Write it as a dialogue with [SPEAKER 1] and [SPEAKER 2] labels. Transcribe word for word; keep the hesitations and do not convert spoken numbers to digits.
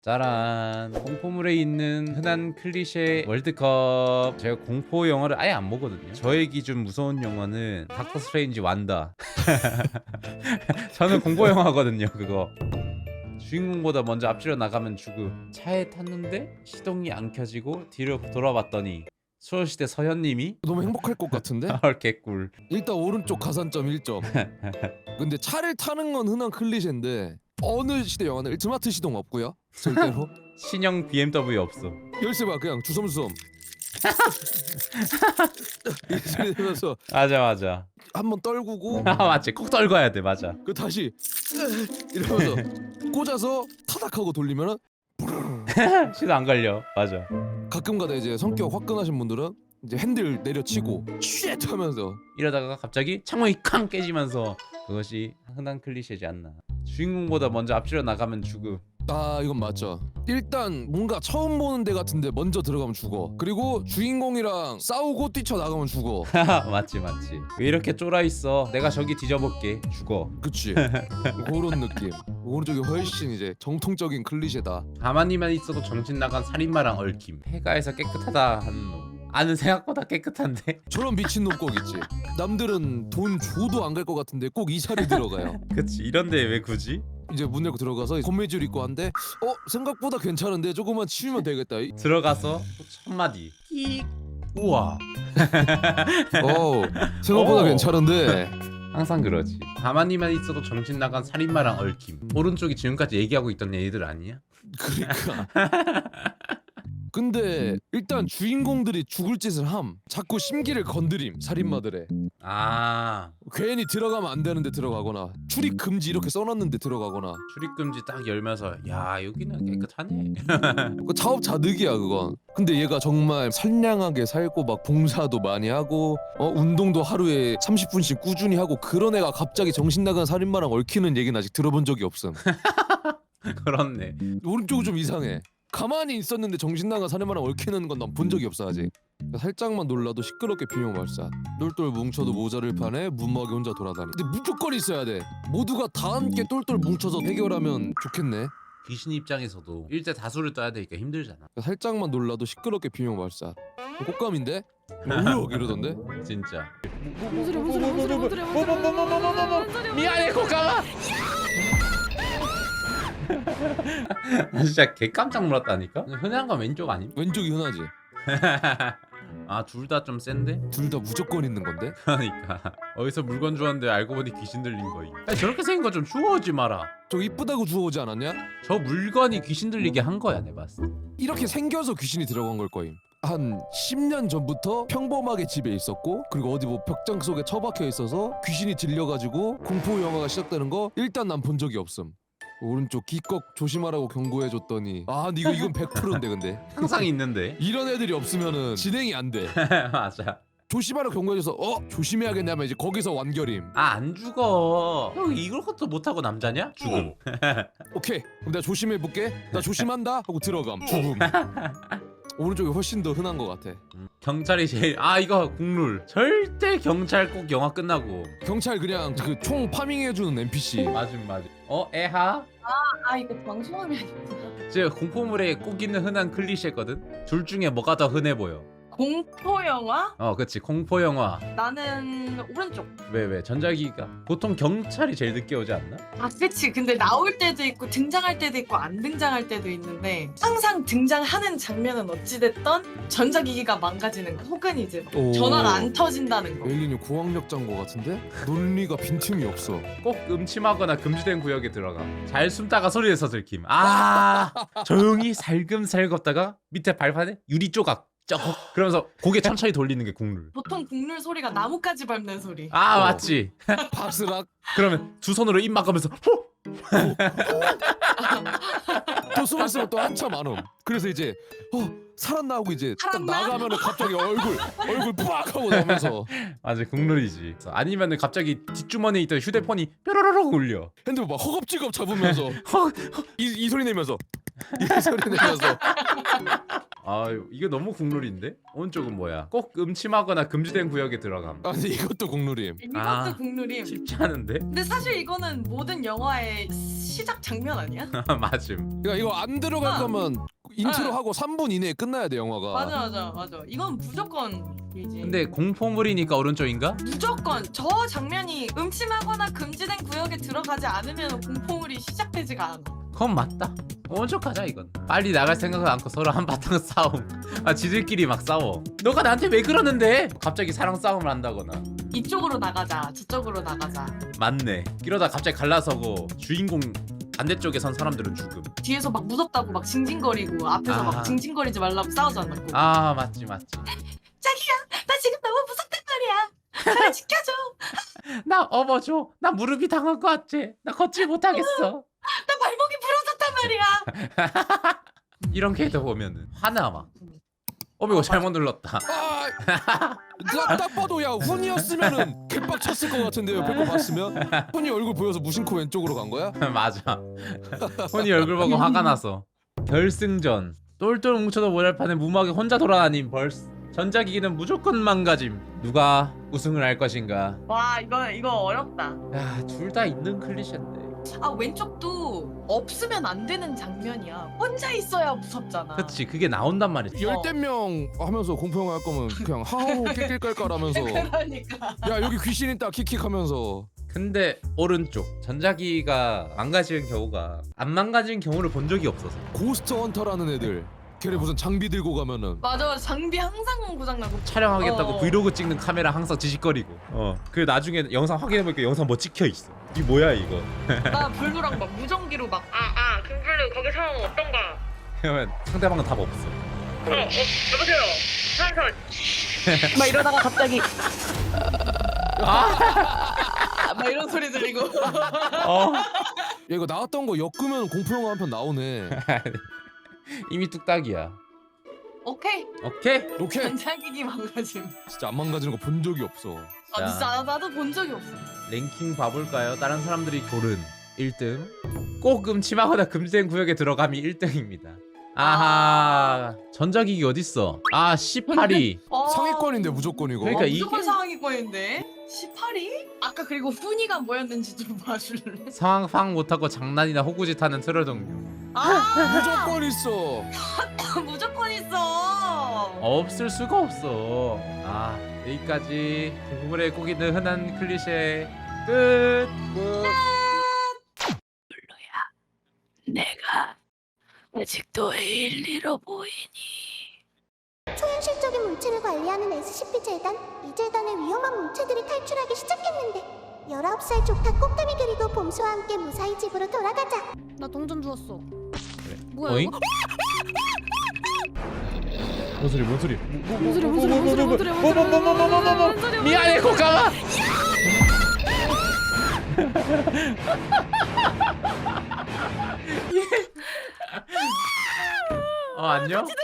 [SPEAKER 1] 짜란. 공포물에 있는 흔한 클리셰 월드컵. 제가 공포 영화를 아예 안 보거든요. 저의 기준 무서운 영화는 닥터 스트레인지 완다. 저는 공포 영화거든요 그거. 주인공보다 먼저 앞지러 나가면 죽음. 차에 탔는데 시동이 안 켜지고 뒤로 돌아봤더니 소녀시대 서현님이
[SPEAKER 2] 너무 행복할 것 같은데?
[SPEAKER 1] 헐 개꿀.
[SPEAKER 2] 일단 오른쪽 가산점 일 점. 근데 차를 타는 건 흔한 클리셰인데 어느 시대 영화는 스마트 시동 없고요. 절대로.
[SPEAKER 1] 신형 비엠더블유 없어.
[SPEAKER 2] 열쇠 봐 그냥 주섬주섬. 이 소리 들면서
[SPEAKER 1] 맞아 맞아.
[SPEAKER 2] 한번 떨구고
[SPEAKER 1] 아 맞지. 꼭 떨궈야 돼. 맞아.
[SPEAKER 2] 그 다시 이러면서 꽂아서 타닥하고 돌리면은
[SPEAKER 1] 시도 안 걸려. 맞아.
[SPEAKER 2] 가끔가다 이제 성격 화끈하신 분들은 이제 핸들 내려치고 쉣 하면서
[SPEAKER 1] 이러다가 갑자기 창문이 쾅 깨지면서 그것이 흔한 클리셰지 않나. 주인공보다 먼저 앞지러 나가면 죽음.
[SPEAKER 2] 아 이건 맞죠. 일단 뭔가 처음 보는 데 같은데 먼저 들어가면 죽어. 그리고 주인공이랑 싸우고 뛰쳐나가면 죽어.
[SPEAKER 1] 맞지 맞지. 왜 이렇게 쫄아 있어? 내가 저기 뒤져볼게. 죽어.
[SPEAKER 2] 그치. 그런 느낌. 오른쪽이 훨씬 이제 정통적인 클리셰다.
[SPEAKER 1] 가만히만 있어도 정신 나간 살인마랑 얽힘. 폐가에서 깨끗하다 하는 놈. 아는 생각보다 깨끗한데.
[SPEAKER 2] 저런 미친놈 꼭 있지. 남들은 돈 줘도 안 갈 것 같은데 꼭 이 자리 들어가요.
[SPEAKER 1] 그치. 이런데 왜 굳이?
[SPEAKER 2] 이제 문 열고 들어가서 건매줄 입고 한데 어 생각보다 괜찮은데 조금만 치우면 되겠다. 이-
[SPEAKER 1] 들어가서 또 첫 마디. 끼. 우와.
[SPEAKER 2] 어 생각보다
[SPEAKER 1] 오.
[SPEAKER 2] 괜찮은데.
[SPEAKER 1] 항상 그러지. 가만히만 있어도 정신 나간 살인마랑 얽힘. 오른쪽이 지금까지 얘기하고 있던 애들 아니야?
[SPEAKER 2] 그러니까. 근데 일단 주인공들이 죽을 짓을 함. 자꾸 심기를 건드림 살인마들의.
[SPEAKER 1] 아
[SPEAKER 2] 괜히 들어가면 안 되는데 들어가거나 출입 금지 이렇게 써놨는데 들어가거나.
[SPEAKER 1] 출입금지 딱 열면서 야 여기는 깨끗하네.
[SPEAKER 2] 그 자업자득이야 그건. 근데 얘가 정말 선량하게 살고 막 봉사도 많이 하고 어 운동도 하루에 삼십 분씩 꾸준히 하고 그런 애가 갑자기 정신 나간 살인마랑 얽히는 얘기는 아직 들어본 적이 없음.
[SPEAKER 1] 그렇네.
[SPEAKER 2] 오른쪽은 좀 이상해. 가만히 있었는데 정신 나간 살인마랑 얽히는 건 난 본 적이 없어 아직. 살짝만 놀라도 시끄럽게 비명 발사. 똘똘 뭉쳐도 모자를 파네 무모하게 혼자 돌아다니. 근데 무조건 있어야 돼. 모두가 다 함께 똘똘 뭉쳐서 해결하면 좋겠네.
[SPEAKER 1] 귀신 입장에서도 일대 다수를 떠야 되니까 힘들잖아.
[SPEAKER 2] 살짝만 놀라도 시끄럽게 비명 발사. 꽃감인데? 우럭 이러던데?
[SPEAKER 1] 진짜.
[SPEAKER 3] 뭔 소리야 뭔 소리야 뭔 소리야 뭔 소리야 뭔 소리야 뭔 소리야
[SPEAKER 1] 미안해 고까마. 진짜 개 깜짝 놀랐다니까. 흔한 건 왼쪽 아님?
[SPEAKER 2] 왼쪽이 흔하지.
[SPEAKER 1] 아 둘 다 좀 센데?
[SPEAKER 2] 둘 다 무조건 있는 건데?
[SPEAKER 1] 그러니까 어디서 물건 주웠는데 알고 보니 귀신 들린 거임. 아니, 저렇게 생긴 거 좀 주워오지 마라.
[SPEAKER 2] 저 이쁘다고 주워오지 않았냐?
[SPEAKER 1] 저 물건이 귀신 들리게 한 거야 내 봤을 때.
[SPEAKER 2] 이렇게 생겨서 귀신이 들어간 걸 거임. 한 십 년 전부터 평범하게 집에 있었고 그리고 어디 뭐 벽장 속에 처박혀 있어서 귀신이 들려가지고 공포 영화가 시작되는 거 일단 난 본 적이 없음. 오른쪽 기껏 조심하라고 경고해줬더니 아 근데 이거 이건 백 퍼센트인데 근데
[SPEAKER 1] 항상 있는데.
[SPEAKER 2] 이런 애들이 없으면은 진행이 안 돼.
[SPEAKER 1] 맞아.
[SPEAKER 2] 조심하라고 경고해줘서 어 조심해야겠냐면 이제 거기서 완결임.
[SPEAKER 1] 아 안 죽어. 형 이걸 것도 못하고 남자냐? 죽음.
[SPEAKER 2] 오케이 그럼 내가 조심해볼게. 나 조심한다 하고 들어감. 죽음. 오른쪽이 훨씬 더 흔한 것 같아.
[SPEAKER 1] 음, 경찰이 제일 아 이거 국룰. 절대 경찰 꼭 영화 끝나고.
[SPEAKER 2] 경찰 그냥 그 총 파밍해주는 엔피씨.
[SPEAKER 1] 맞음 맞음. 어 애하?
[SPEAKER 3] 아 이거 방송하면 아니구나.
[SPEAKER 1] 제 공포물에 꼭 있는 흔한 클리셰거든. 둘 중에 뭐가 더 흔해 보여?
[SPEAKER 3] 공포 영화?
[SPEAKER 1] 어 그치 공포 영화.
[SPEAKER 3] 나는 오른쪽.
[SPEAKER 1] 왜 왜 전자기가 보통 경찰이 제일 늦게 오지 않나?
[SPEAKER 3] 아 그치. 근데 나올 때도 있고 등장할 때도 있고 안 등장할 때도 있는데 항상 등장하는 장면은 어찌됐던 전자기기가 망가지는 거 혹은 이제 막
[SPEAKER 2] 오.
[SPEAKER 3] 전화가 안 터진다는 거.
[SPEAKER 2] 에일린이 고학력 장고 같은데? 논리가 빈틈이 없어.
[SPEAKER 1] 꼭 음침하거나 금지된 구역에 들어가. 잘 숨다가 소리 내서 들킴. 아 조용히 살금살 걷다가 밑에 발판에 유리 조각 쩍 그러면서 고개 천천히 돌리는 게 국룰.
[SPEAKER 3] 보통 국룰 소리가 나뭇가지 밟는 소리.
[SPEAKER 1] 아
[SPEAKER 2] 어.
[SPEAKER 1] 맞지.
[SPEAKER 2] 바스락.
[SPEAKER 1] 그러면 두 손으로 입 막으면서 호!
[SPEAKER 2] 또 숨었으면 또 한참 안 옴. 그래서 이제 어 살았나 하고 이제 딱
[SPEAKER 3] 살았나?
[SPEAKER 2] 나가면은 갑자기 얼굴 얼굴 빡 하고 나오면서
[SPEAKER 1] 맞아 국룰이지. 아니면은 갑자기 뒷주머니에 있던 휴대폰이 뾰로로록 울려.
[SPEAKER 2] 핸드폰 막 허겁지겁 잡으면서
[SPEAKER 1] 헉!
[SPEAKER 2] 이, 이 소리 내면서 이 소리 내면서
[SPEAKER 1] 아 이게 너무 국룰인데? 오른쪽은 뭐야? 꼭 음침하거나 금지된 구역에 들어감.
[SPEAKER 2] 아 근데 이것도 국룰임.
[SPEAKER 3] 이것도
[SPEAKER 1] 아.
[SPEAKER 3] 국룰임.
[SPEAKER 1] 쉽지 않은데?
[SPEAKER 3] 근데 사실 이거는 모든 영화의 시작 장면 아니야?
[SPEAKER 1] 맞음.
[SPEAKER 2] 그러니까 이거 안 들어갈
[SPEAKER 3] 아.
[SPEAKER 2] 거면 인트로
[SPEAKER 3] 아.
[SPEAKER 2] 하고 삼 분 이내에 끝나야 돼 영화가.
[SPEAKER 3] 맞아 맞아 맞아. 이건 무조건이지.
[SPEAKER 1] 근데 공포물이니까 오른쪽인가?
[SPEAKER 3] 무조건 저 장면이 음침하거나 금지된 구역에 들어가지 않으면 공포물이 시작되지가 않아.
[SPEAKER 1] 그건 맞다. 오른쪽 가자 이건. 빨리 나갈 생각을 않고 서로 한바탕 싸움. 아 지들끼리 막 싸워. 너가 나한테 왜 그러는데? 갑자기 사랑 싸움을 한다거나.
[SPEAKER 3] 이쪽으로 나가자 저쪽으로 나가자.
[SPEAKER 1] 맞네. 이러다 갑자기 갈라서고 주인공 반대쪽에 선 사람들은 죽음.
[SPEAKER 3] 뒤에서 막 무섭다고 막 징징거리고 앞에서
[SPEAKER 1] 아.
[SPEAKER 3] 막 징징거리지 말라고 싸우잖아. 꼭.
[SPEAKER 1] 아 맞지 맞지.
[SPEAKER 3] 자기야 나 지금 너무 무섭단 말이야. 나를 지켜줘.
[SPEAKER 1] 나 업어줘. 나 무릎이 당한 거 같지? 나 걷지 못하겠어.
[SPEAKER 3] 나 발목이 부러졌단 말이야.
[SPEAKER 1] 이런 캐릭터 보면은 화나 막. 어머 이거 잘못 눌렀다.
[SPEAKER 2] 아, 나딱 봐도 야 훈이었으면은 개빡쳤을 것 같은데 옆에 거 봤으면 훈이 얼굴 보여서 무심코 왼쪽으로 간 거야?
[SPEAKER 1] 맞아. 혼이 얼굴 보고 화가 나서. 결승전. 똘똘 뭉쳐도 모자판에 무모하게 혼자 돌아다닌 벌스. 전자기기는 무조건 망가짐. 누가 우승을 할 것인가?
[SPEAKER 3] 와 이거 이거 어렵다.
[SPEAKER 1] 야, 둘 다 있는 클리셰인데.
[SPEAKER 3] 아 왼쪽도 없으면 안 되는 장면이야. 혼자 있어야 무섭잖아.
[SPEAKER 1] 그치, 그게 나온단 말이지.
[SPEAKER 2] 열댓 명 하면서 공포영화 할 거면 그냥 하하호 낄낄깔깔하면서
[SPEAKER 3] 그러니까.
[SPEAKER 2] 야 여기 귀신 있다 킥킥하면서.
[SPEAKER 1] 근데 오른쪽 전자기기가 망가지는 경우가 안 망가진 경우를 본 적이 없어서.
[SPEAKER 2] 고스트 헌터라는 애들 걔네 무슨 장비 들고 가면은
[SPEAKER 3] 맞아 장비 항상 고장나고.
[SPEAKER 1] 촬영하겠다고
[SPEAKER 3] 어.
[SPEAKER 1] 브이로그 찍는 카메라 항상 지직거리고. 어. 그 나중에 영상 확인해보니까 영상 뭐 찍혀 있어. 이게 뭐야 이거?
[SPEAKER 3] 나 블루랑 막 무전기로 막 아 아 김블루 거기 상황 어떤가?
[SPEAKER 1] 그러면 상대방은 답 없어.
[SPEAKER 3] 어, 어 여보세요 한솔. 막 이러다가 갑자기
[SPEAKER 1] 아,
[SPEAKER 3] 막 이런 소리 들리고.
[SPEAKER 1] 어.
[SPEAKER 2] 야 이거 나왔던 거 엮으면 공포영화 한 편 나오네.
[SPEAKER 1] 이미 뚝딱이야.
[SPEAKER 3] 오케이.
[SPEAKER 1] 오케이.
[SPEAKER 2] 오케이.
[SPEAKER 3] 전자기기 망가짐.
[SPEAKER 2] 진짜 안 망가지는 거 본 적이 없어.
[SPEAKER 3] 아 진짜 나- 나도 본 적이 없어.
[SPEAKER 1] 랭킹 봐볼까요? 다른 사람들이 고른 일 등. 꼭 음침하거나 금지된 구역에 들어감이 일 등입니다. 아하. 전자기기 어딨어? 아 십팔 위.
[SPEAKER 3] 어.
[SPEAKER 2] 상위권인데 무조건 이거.
[SPEAKER 1] 그러니까
[SPEAKER 3] 어,
[SPEAKER 1] 이-
[SPEAKER 3] 무조건
[SPEAKER 1] 이게-
[SPEAKER 3] 상황이권인데 십팔 위? 아까 그리고 훈이가 뭐였는지 좀 봐줄래?
[SPEAKER 1] 상황 파악 못하고 장난이나 호구짓 하는 트롤 동료.
[SPEAKER 3] 아
[SPEAKER 2] 무조건 있어.
[SPEAKER 3] 무조건 있어.
[SPEAKER 1] 없을 수가 없어. 아 여기까지 대부분에 꼭 있는 흔한 클리셰 끝. 끝.
[SPEAKER 3] 내가 아직도 에일리로 보이니?
[SPEAKER 4] 초현실적인 물체를 관리하는 에스시피 재단, 이 재단의 위험한 물체들이 탈출하기 시작했는데 열아홉 살 조카 꽃가미 그리고 봄수와 함께 무사히 집으로 돌아가자.
[SPEAKER 5] 나 동전 주웠어.
[SPEAKER 1] 그래.
[SPEAKER 5] 뭐야
[SPEAKER 1] 어잉?
[SPEAKER 5] 이거?
[SPEAKER 1] 뭔 소리 뭔 소리?
[SPEAKER 5] 뭔 소리야, 뭔 소리야, 뭔 소리야, 뭔 소리야, 뭔 소리야, 뭔 소리야, 뭔 소리야.
[SPEAKER 1] 미안해 고가마. 어 안녕?